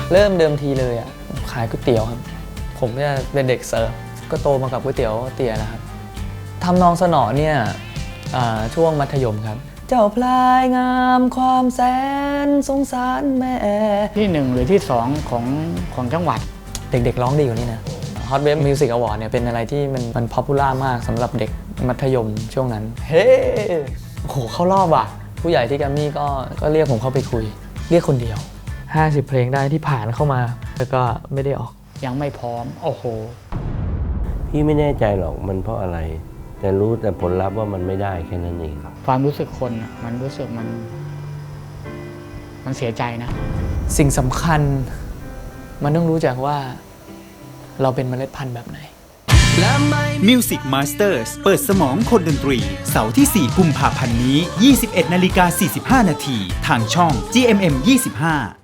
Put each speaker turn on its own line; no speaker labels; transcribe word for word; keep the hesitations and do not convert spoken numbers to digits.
เริ่มเดิมทีเลยอ่ะขายก๋วยเตี๋ยวครับผมเนี่ยเป็นเด็กเสิร์ฟก็โตมากับก๋วยเตี๋ยวเตี๋ยนะครับทำนองสนอเนี่ยช่วงมัธยมครับเจ้าพลายงามความแสนสงสารแม่
ที่หนึ่งหรือที่สองของของจังหวัด
เด็กๆร้องดีกว่านี้นะ Hot Wave Music Award เนี่ยเป็นอะไรที่มันมันป๊อปปูล่ามากสำหรับเด็กมัธยมช่วงนั้นเฮ้โอ้โหเข้ารอบอ่ะผู้ใหญ่ที่แกรมมี่ก็ก็เรียกผมเข้าไปคุยเรียกคนเดียวห้าสิบเพลงได้ที่ผ่านเข้ามาแล้วก็ไม่ได้ออก
ยังไม่พร้อมโอ้โห
พี่ไม่แน่ใจหรอกมันเพราะอะไรแต่รู้แต่ผลลัพธ์ว่ามันไม่ได้แค่นั้นเองครับ
ความรู้สึกคนมันรู้สึกมันมันเสียใจนะ
สิ่งสำคัญมันต้องรู้จักว่าเราเป็นเมล็ดพันธุ์แบบไหน
Music Masters เปิดสมองคนดนตรีเสาร์ที่สี่กุมภาพันธ์นี้ ยี่สิบเอ็ดนาฬิกาสี่สิบห้านาทีทางช่อง จี เอ็ม เอ็ม ยี่สิบห้า